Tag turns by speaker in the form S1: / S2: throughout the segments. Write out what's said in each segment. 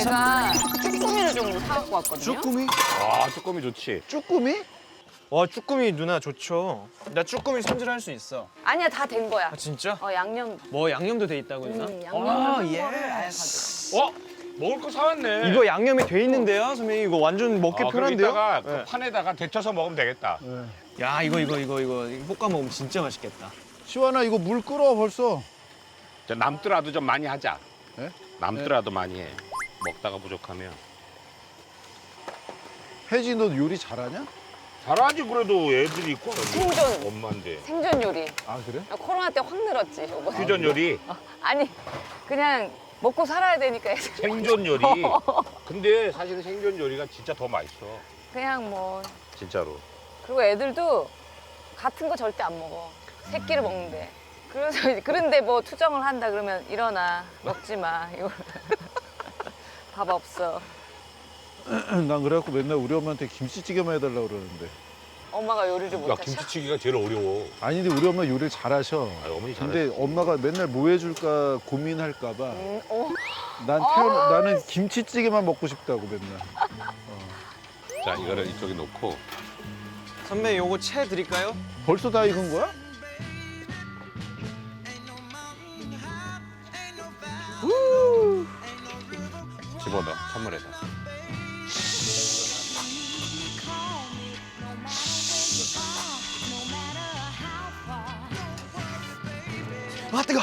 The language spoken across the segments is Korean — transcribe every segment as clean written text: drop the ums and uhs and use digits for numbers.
S1: 제가 쭈꾸미를 좀 사갖고 왔거든요.
S2: 쭈꾸미?
S3: 아, 쭈꾸미 좋지.
S2: 쭈꾸미?
S4: 와 쭈꾸미 누나 좋죠. 나 쭈꾸미 손질할 수 있어.
S1: 아니야, 다 된 거야.
S4: 아 진짜?
S1: 양념.
S4: 뭐 양념도 돼 있다고 누나?
S1: 양념을 한 거를 아예 가져.
S3: 먹을 거 사왔네.
S4: 이거 양념이 돼 있는데요, 선배님. 이거 완전 먹기
S3: 그럼
S4: 편한데요?
S3: 이따가
S4: 네.
S3: 그 판에다가 데쳐서 먹으면 되겠다.
S4: 야 이거 볶아 먹으면 진짜 맛있겠다.
S2: 시완아 이거 물 끓어 벌써.
S3: 자, 남더라도 좀 많이 하자.
S2: 네?
S3: 남더라도 많이 해. 먹다가 부족하면.
S2: 혜지 너 요리 잘하냐?
S3: 잘하지 그래도 애들이 있고.
S1: 생존.
S3: 엄마인데.
S1: 생존 요리.
S2: 아 그래?
S1: 코로나 때 확 늘었지, 요거.
S3: 퓨전 요리,
S1: 아니, 그냥 먹고 살아야 되니까 애들.
S3: 생존 요리. 근데 사실은 생존 요리가 진짜 더 맛있어.
S1: 그냥 뭐.
S3: 진짜로.
S1: 그리고 애들도 같은 거 절대 안 먹어. 새끼를 먹는데. 그래서 이제 그런데 뭐 투정을 한다 그러면 일어나. 먹지 마. 이거. 밥 없어.
S2: 난 그래갖고 맨날 우리 엄마한테 김치찌개만 해달라고 그러는데.
S1: 엄마가 요리를
S3: 야,
S1: 못하셔.
S3: 김치찌개가 제일 어려워.
S2: 아니 근데 우리 엄마 요리를 잘하셔.
S3: 아, 어머니 잘해.
S2: 근데 엄마가 맨날 뭐 해줄까 고민할까 봐.
S1: 어.
S2: 나는 김치찌개만 먹고 싶다고 맨날.
S3: 자, 이거를 이쪽에 놓고.
S4: 선배 요거 채 드릴까요?
S2: 벌써 다 익은 거야?
S3: 집어넣어, 선물해서.
S4: 와 뜨거.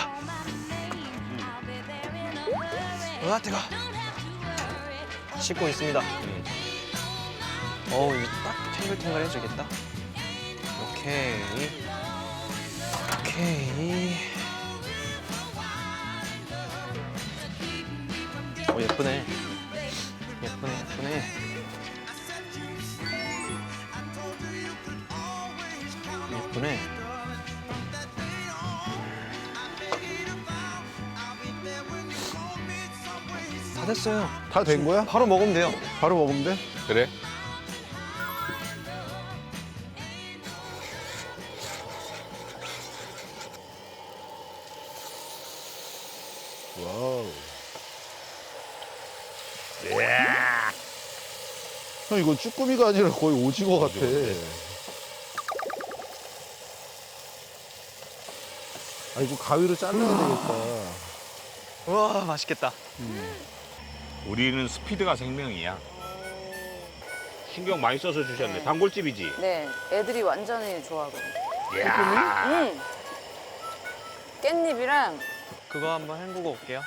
S4: 와 뜨거. 씻고 있습니다. 어우 이거 딱 탱글탱글해지겠다. 오케이. 예쁘네. 예쁘네. 예쁘네. 다 됐어요.
S2: 다 된 거야?
S4: 바로 먹으면 돼요.
S2: 바로 먹으면 돼?
S3: 그래?
S2: 와우.
S3: 이야.
S2: 형 이거 쭈꾸미가 아니라 거의 오징어 같아. 아 이거 가위로 잘라야 되겠다.
S4: 와 맛있겠다.
S3: 우리는 스피드가 생명이야. 신경 많이 써서 주셨네. 단골집이지?
S1: 네, 애들이 완전히 좋아하거든요.
S3: 이야.
S1: 깻잎이랑
S4: 그거 한번 헹구고 올게요.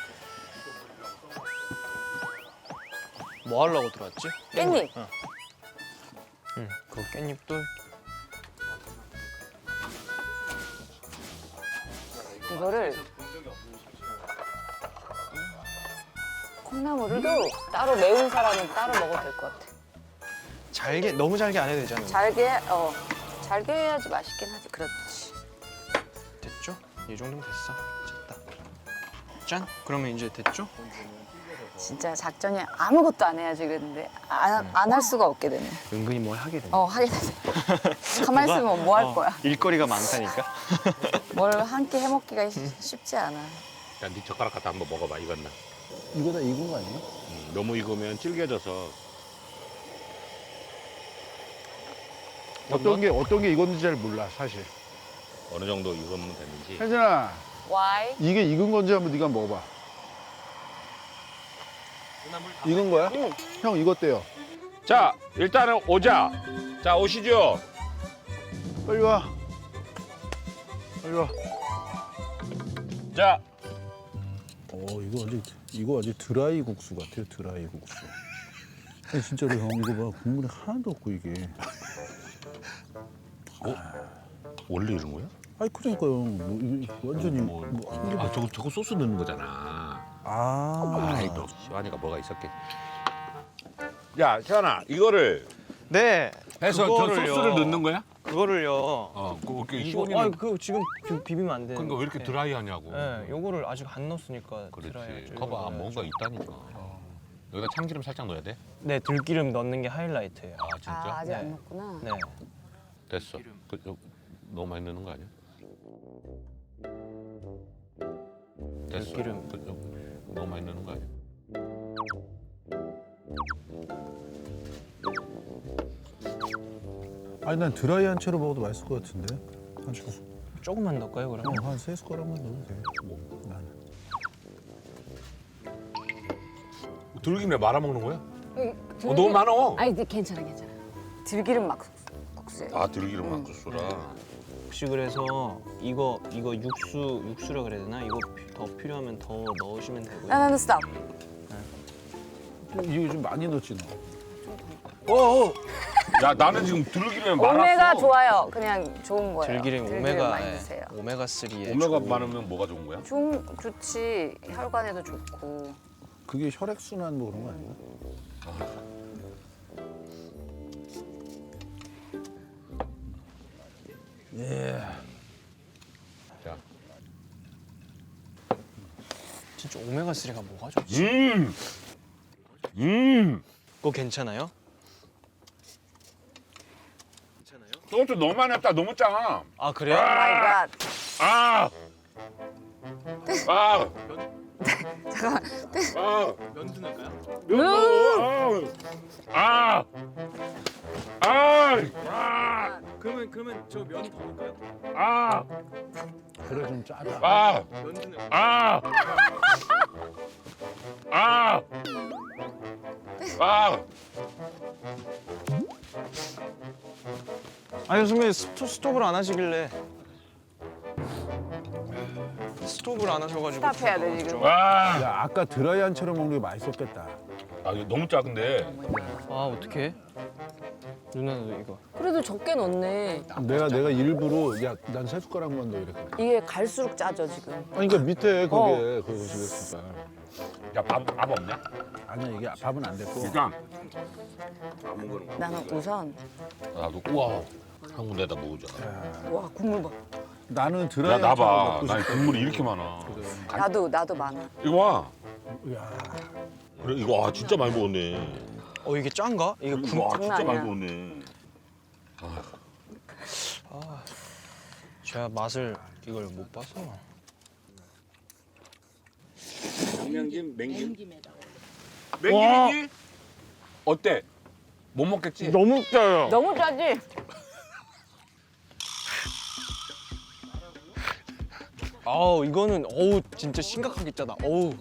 S4: 뭐 하려고 들어왔지?
S1: 깻잎.
S4: 응, 그 깻잎도
S1: 이거를 콩나물도 따로 매운 사람은 따로 먹어도 될 것 같아.
S4: 너무 잘게 안 해도 되잖아요.
S1: 잘게 해야지 맛있긴 하지. 그렇지.
S4: 됐죠? 이 정도면 됐어. 됐다. 짠. 그러면 이제 됐죠?
S1: 진짜 작전이 아무것도 안 해야지 그랬는데 안 할 수가 없게 되네.
S4: 은근히 뭘 하게 되네.
S1: 하게 되네. 가만히 있으면 뭐 할 거야?
S4: 일거리가 많다니까.
S1: 뭘 한 끼 해먹기가 쉽지 않아.
S3: 야, 네 젓가락 갖다 한번 먹어봐. 익었나?
S2: 이거 다 익은 거 아니야?
S3: 너무 익으면 질겨져서.
S2: 어떤 게 익었는지 잘 몰라 사실.
S3: 어느 정도 익으면 되는지.
S2: 혜진아
S1: Why?
S2: 이게 익은 건지 한번 네가 먹어봐. 익은 거야?
S1: 응.
S2: 형 익었대요.
S3: 자, 일단은 오자. 자, 오시죠.
S2: 빨리 와. 빨리 와.
S3: 자,
S2: 이거 아주 드라이 국수 같아요. 드라이 국수. 아니, 진짜로 형 이거 봐 국물이 하나도 없고 이게.
S3: 원래 이런 거야?
S2: 아이 그러니까요. 완전히
S3: 저거 소스 넣는 거잖아. 아이, 너 시환이가 뭐가 있었겠지. 야, 시환아, 이거를
S4: 네.
S3: 해서
S4: 그거를요.
S3: 저 소스를 넣는 거야?
S4: 그거를요.
S3: 그렇게
S4: 이거 그거 지금 비비면 안 되는데.
S3: 그러니까 왜 이렇게 드라이하냐고.
S4: 네, 요거를 아직 안 넣었으니까
S3: 그렇지.
S4: 드라이하죠.
S3: 봐봐,
S4: 이거는
S3: 뭔가
S4: 좀-
S3: 있다니까. 여기다 참기름 살짝 넣어야 돼?
S4: 네, 들기름 넣는 게 하이라이트예요.
S3: 아, 진짜?
S1: 아직
S4: 네.
S1: 안 먹구나.
S4: 네.
S3: 됐어. 너무 많이 넣는 거 아니야? 됐어.
S4: 들기름.
S3: 너무 많이 넣는 거 아니야?
S2: 아니 난 드라이한 채로 먹어도 맛있을 것 같은데.
S4: 조금만 넣을까요 그러면?
S2: 한 3숟가락만 넣어도 돼. 나는.
S3: 들기름에 말아 먹는 거야? 너무 많어.
S1: 아니 괜찮아. 들기름 막국수예요.
S3: 아 들기름 막국수라.
S4: 혹시 그래서 이거 육수라 그래야 되나? 이거 더 필요하면 더 넣으시면 되고요.
S1: 나는 스탑.
S2: 이거 좀 많이 넣지 너.
S3: 야 나는 지금 들기름에 말았어.
S1: 오메가 좋아요. 그냥 좋은 거예요.
S4: 들기름
S1: 많이
S4: 오메가
S1: 드세요.
S4: 오메가 3에
S3: 오메가 많으면 뭐가 좋은 거야?
S1: 좋지. 혈관에도 좋고.
S2: 그게 혈액 순환 뭐 그런 거 아니야? 예.
S3: 자.
S4: 진짜 오메가 3가 뭐가 좋지? 그거 괜찮아요?
S3: 소주 너무 많이 했다. 너무 짜.
S4: 아 그래요?
S1: 오 마이 갓.
S3: 아. 아.
S1: 잠깐만.
S3: 아.
S4: 면도 넣을까요?
S3: 면 넣어. 아. 아. 아.
S4: 그러면 저 면 더 넣을까요?
S3: 아.
S2: 그래 좀 짜다.
S3: 아.
S4: 면도 넣을까요?
S3: 아. 아. 아.
S4: 아니 선배님 스톱을 안 하시길래 스톱을 안 하셔가지고
S1: 스탑해야 돼, 지금.
S3: 와.
S2: 야 아까 드라이한 채로 먹는 게 맛있었겠다.
S3: 아 이거 너무 작은데.
S4: 아 어떡해? 누나도 이거
S1: 그래도 적게 넣네.
S2: 내가 일부러 야 난 3숟가락만 넣어 이랬거든.
S1: 이게 갈수록 짜져 지금.
S2: 아니 그러니까 밑에 그게 그거 집에서
S3: 야밥 없냐?
S2: 아니야 이게 밥은 안 됐고.
S3: 일단 안 먹는 거.
S1: 나는 우선
S3: 나도 우와 한 군데다 먹어줘.
S1: 와 국물 봐.
S2: 나는
S3: 야
S2: 드라이한 채로
S3: 나봐.
S2: 먹고
S3: 나
S2: 싶어.
S3: 국물이 이렇게 많아.
S1: 나도 많아.
S3: 이거 봐.
S2: 야
S3: 그래 이거 진짜 많이 먹었네.
S4: 이게 짠가? 이게
S3: 와
S1: 장난
S3: 진짜 많이
S1: 아니야.
S3: 먹었네.
S4: 제가 맛을 이걸 못 봐서
S3: 양념김 맹김에다가. 맹김이지? 어때? 못 먹겠지?
S4: 너무 짜요.
S1: 너무 짜지?
S4: 아우 이거는 진짜 심각하게 짜다. 어우.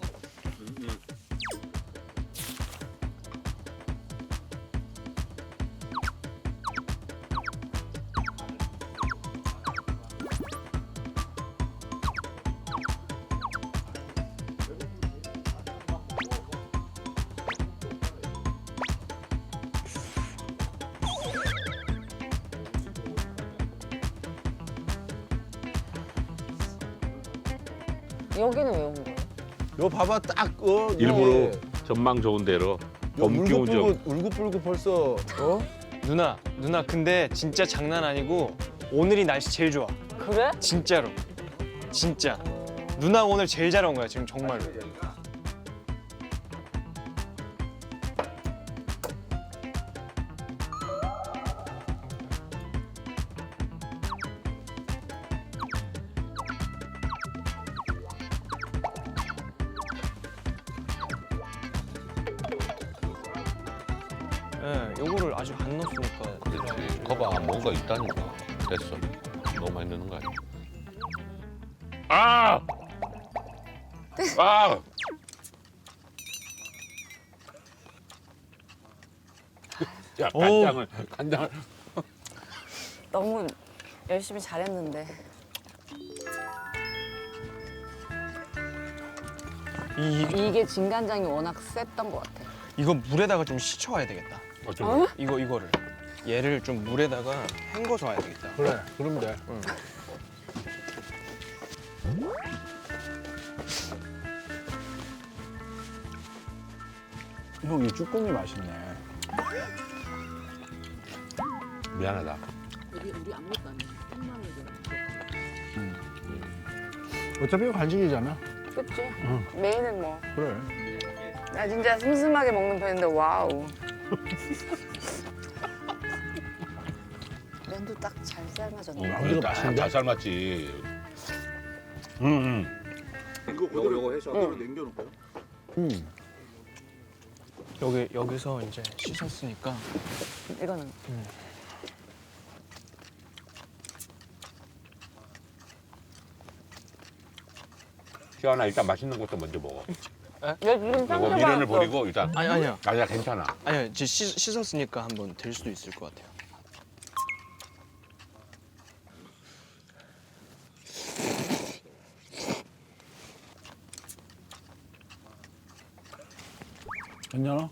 S1: 여기는 왜 온 거야?
S2: 너 봐봐 딱
S3: 일부러 전망 좋은 데로 범기운 좀.
S2: 울긋불긋 벌써
S4: 누나 근데 진짜 장난 아니고 오늘이 날씨 제일 좋아.
S1: 그래?
S4: 진짜로. 진짜. 누나 오늘 제일 잘 온 거야 지금 정말로. 예, 요거를 아직 안 넣었으니까.
S3: 그렇지. 거봐 뭔가 있다니까. 됐어. 너무 많이 넣는 거 아니야? 아! 아! 야 간장을
S1: 너무 열심히 잘했는데. 이게 진간장이 워낙 셌던 것 같아.
S4: 이거 물에다가 좀 식혀와야 되겠다.
S3: 어쩌면
S4: 이거를 얘를 좀 물에다가 헹궈 줘야 되겠다.
S2: 그래 그러면 돼. 형 이 쭈꾸미 맛있네.
S3: 미안하다.
S2: 어차피 이거 간식이잖아.
S1: 그치? 메인은 뭐.
S2: 그래.
S1: 나 진짜 슴슴하게 먹는 편인데 와우. 면도 딱 잘 삶아졌네.
S2: 이거 맛있는데?
S3: 잘 삶았지.
S5: 이거 요거 해서 앞으로 남겨놓을까요?
S4: 여기서 이제 씻었으니까
S1: 이거는
S3: 시원아 일단 맛있는 것도 먼저 먹어.
S1: 얘 지금
S3: 이거
S1: 상처
S3: 미련을
S1: 받았어.
S3: 버리고 일단.
S4: 아니야.
S3: 아니야 괜찮아.
S4: 아니야 이제 씻었으니까 한번 될 수도 있을 것 같아요.
S2: 괜찮아?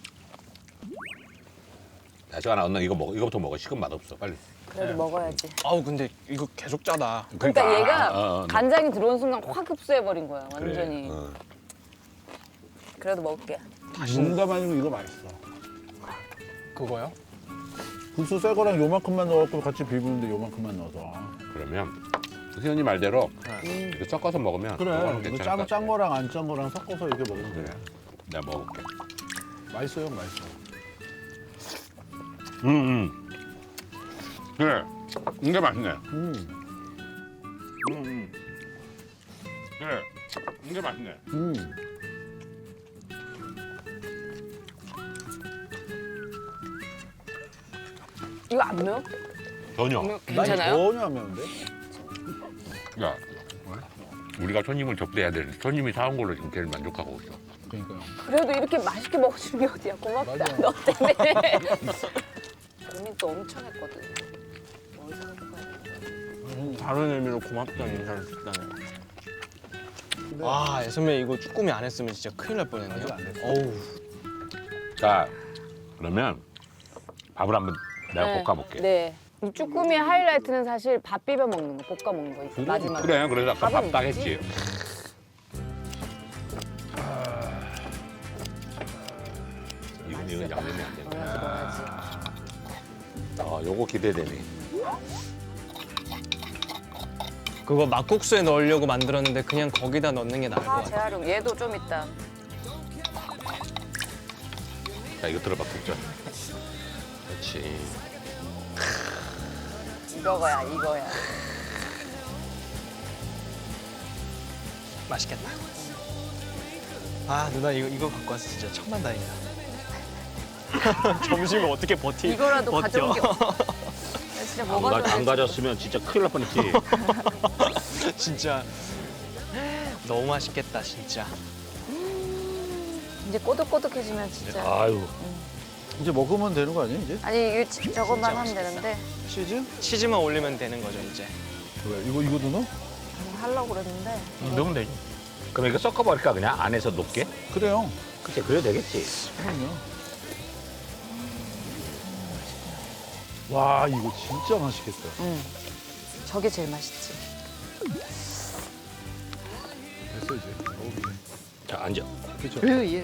S3: 야 시원아 언니 이거 먹어. 이거부터 먹어. 식은 맛 없어. 빨리.
S1: 그래도 먹어야지.
S4: 아우 근데 이거 계속 짜다.
S1: 그러니까 얘가
S3: 어, 어.
S1: 간장이 들어온 순간 확 흡수해버린 거야
S3: 그래.
S1: 완전히.
S3: 어.
S1: 그래도 먹을게.
S2: 농담 아니고 이거 맛있어.
S4: 그거요?
S2: 국수 새 거랑 요만큼만 넣어갖고 같이 비비는데 요만큼만 넣어서.
S3: 그러면 희연이 말대로 이렇게 섞어서 먹으면
S2: 그래.
S3: 그거는
S2: 이거
S3: 괜찮을 것
S2: 짠
S3: 같아.
S2: 거랑 안 짠 거랑 섞어서 이렇게 먹으면
S3: 그래.
S2: 돼.
S3: 내가 먹어볼게.
S2: 맛있어요, 맛있어.
S3: 그래. 이게 맛있네. 그래. 이게 맛있네.
S1: 이거 안 매워?
S3: 전혀.
S1: 괜찮아요?
S2: 전혀 안 매운데?
S3: 야, 우리가 손님을 접대해야 되는데 손님이 사온 걸로 지금 제일 만족하고 있어.
S2: 그러니까요.
S1: 그래도 이렇게 맛있게 먹어주는 게 어디야. 고맙다.
S2: 맞아.
S1: 너 때문에. 고민 또 엄청 했거든. 뭘 사갖고 가야 되나.
S4: 다른 의미로 고맙다는 인사를 듣다네. 와 선배 이거 쭈꾸미 안 했으면 진짜 큰일 날 뻔했네요.
S2: 아직 안 됐어.
S4: 어우.
S3: 자, 그러면 밥을 한번 내가
S1: 네.
S3: 볶아볼게.
S1: 네. 이 쭈꾸미의 하이라이트는 사실 밥 비벼 먹는 거, 볶아 먹는 거 있어. 마지막에.
S3: 그래, 그래서 아까
S1: 밥은
S3: 밥 딱
S1: 있지?
S3: 했지. 이건 양념이 안 된다.
S1: 넣어야지.
S3: 아, 요거 기대되네.
S4: 그거 막국수에 넣으려고 만들었는데 그냥 거기다 넣는 게 나을 것
S1: 아,
S4: 같아.
S1: 재활용. 얘도 좀 있다.
S3: 자, 이거 들어봐, 국전. 그렇지.
S1: 이거야, 이거야.
S4: 맛있겠다. 아 누나 이거 갖고 와서 진짜 천만다행이다. 점심을 어떻게
S1: 이거라도
S4: 버텨.
S1: 가져온 게 없어. 나 진짜 먹어줘야지.
S3: 안 가졌으면 진짜 큰일 날 뻔했지.
S4: 진짜 너무 맛있겠다 진짜.
S1: 이제 꼬득꼬득해지면 진짜.
S3: 아유.
S2: 이제 먹으면 되는 거 아니야, 이제?
S1: 아니, 이거 저것만 하면
S4: 맛있겠다.
S1: 되는데.
S2: 치즈?
S4: 치즈만 올리면 되는 거죠 이제.
S2: 왜? 이거도 넣어?
S1: 하려고 그랬는데.
S4: 넣으면 되죠.
S3: 그럼 이거 섞어버릴까, 그냥? 안에서 녹게?
S2: 그래요.
S3: 그치, 그래도 되겠지.
S2: 그럼요. 와, 이거 진짜 맛있겠다.
S1: 응. 저게 제일 맛있지.
S2: 됐어, 이제. 먹어보자.
S3: 자, 앉아.
S2: 그쵸?
S1: 예.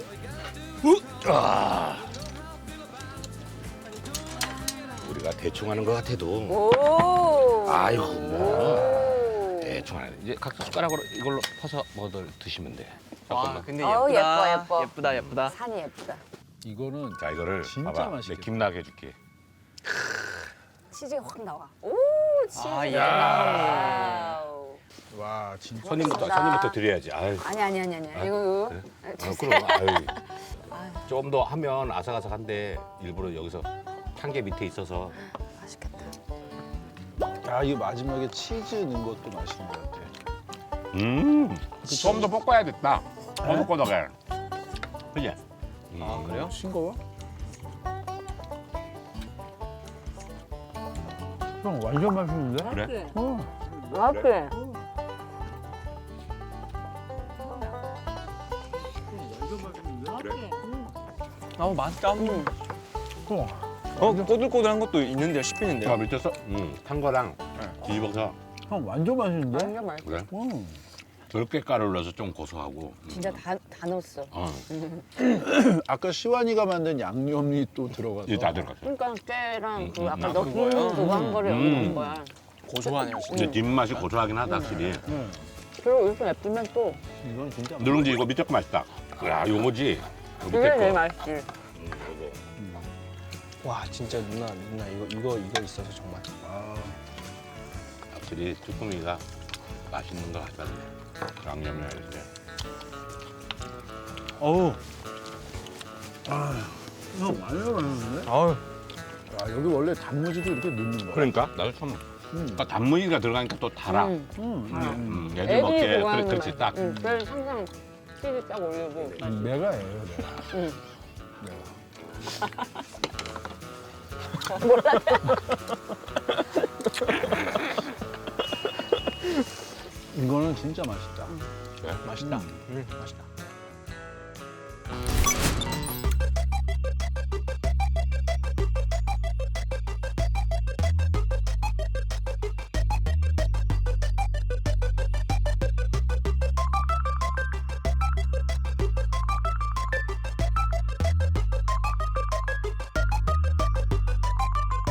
S3: 우리가 대충 하는 것 같아도.
S1: 오.
S3: 아이고, 뭐.
S1: 오.
S3: 대충 하네. 이제 각자 숟가락으로 이걸로 퍼서 드시면 돼.
S4: 와
S3: 잠깐만.
S4: 근데
S1: 어우,
S4: 예쁘다.
S1: 예뻐, 예뻐.
S4: 예쁘다 예쁘다.
S1: 산이 예쁘다.
S2: 이거는
S3: 자, 이거를
S2: 진짜
S3: 봐봐.
S2: 맛있겠다.
S3: 내 김나게 해줄게.
S1: 치즈가 확 나와. 오, 치즈.
S4: 아,
S1: 야. 와우.
S2: 와, 진짜.
S3: 손님부터 드려야지. 아유.
S1: 아니. 이거.
S3: 그래?
S1: 주세요.
S3: 그럼, 아유.
S1: 아유,
S3: 좀 더 하면 아삭아삭한데 일부러 여기서 한개 밑에 있어서.
S1: 맛있겠다.
S2: 야, 이 마지막에 치즈 넣은 것도 맛있는 것 같아.
S3: 좀 더 볶아야겠다. 꼬득꼬득해. 그지?
S4: 아 그래요?
S2: 싱거워? 형, 완전 맛있는데?
S3: 그래?
S1: 맛있게.
S4: 아우 맛있다.
S2: 어,
S4: 꼬들꼬들한 것도 있는데요 씹히는데요.
S3: 자, 밑에 탄 거랑 뒤집어서
S2: 형, 완전 맛있는데?
S1: 완전 맛있어.
S3: 그래?
S2: 응.
S3: 들깨 가루를 넣어서 좀 고소하고.
S1: 진짜 다 넣었어.
S2: 아까 시완이가 만든 양념이 또 들어가서.
S3: 이게 다 들어갔어.
S1: 그러니까 깨랑 그 아까
S3: 아,
S1: 너
S4: 그거요?
S1: 그거 한 거를 여기 넣은 거야.
S4: 고소하네요 진짜.
S3: 근데 뒷맛이 고소하긴 하다, 확실히.
S2: 응.
S1: 그리고 이렇게 예쁘면 또
S2: 이건 진짜
S3: 누룽지 이거 밑에 거 맛있다. 야, 요거지. 요
S1: 이게
S3: 밑에
S1: 제일
S3: 거.
S1: 맛있지.
S3: 요거.
S4: 와 진짜 누나 이거 있어서 정말.
S2: 아,
S3: 확실히 쭈꾸미가 맛있는 거 같았네. 양념이나 이렇게.
S2: 어우, 완전 맛있는데?
S4: 아유,
S2: 아, 여기 원래 단무지도 이렇게 넣는 거야?
S3: 그러니까 나도 처음. 그러니까 단무지가 들어가니까 또 달아. 애들
S1: 애들이
S3: 먹기에
S1: 좋아하는
S3: 그렇지
S1: 맛.
S3: 딱.
S1: 그래서 항상 치즈 딱 올리고.
S2: 내가 해요, 내가.
S1: 응.
S2: 이거는 진짜 맛있다.
S4: 맛있다. 맛있다.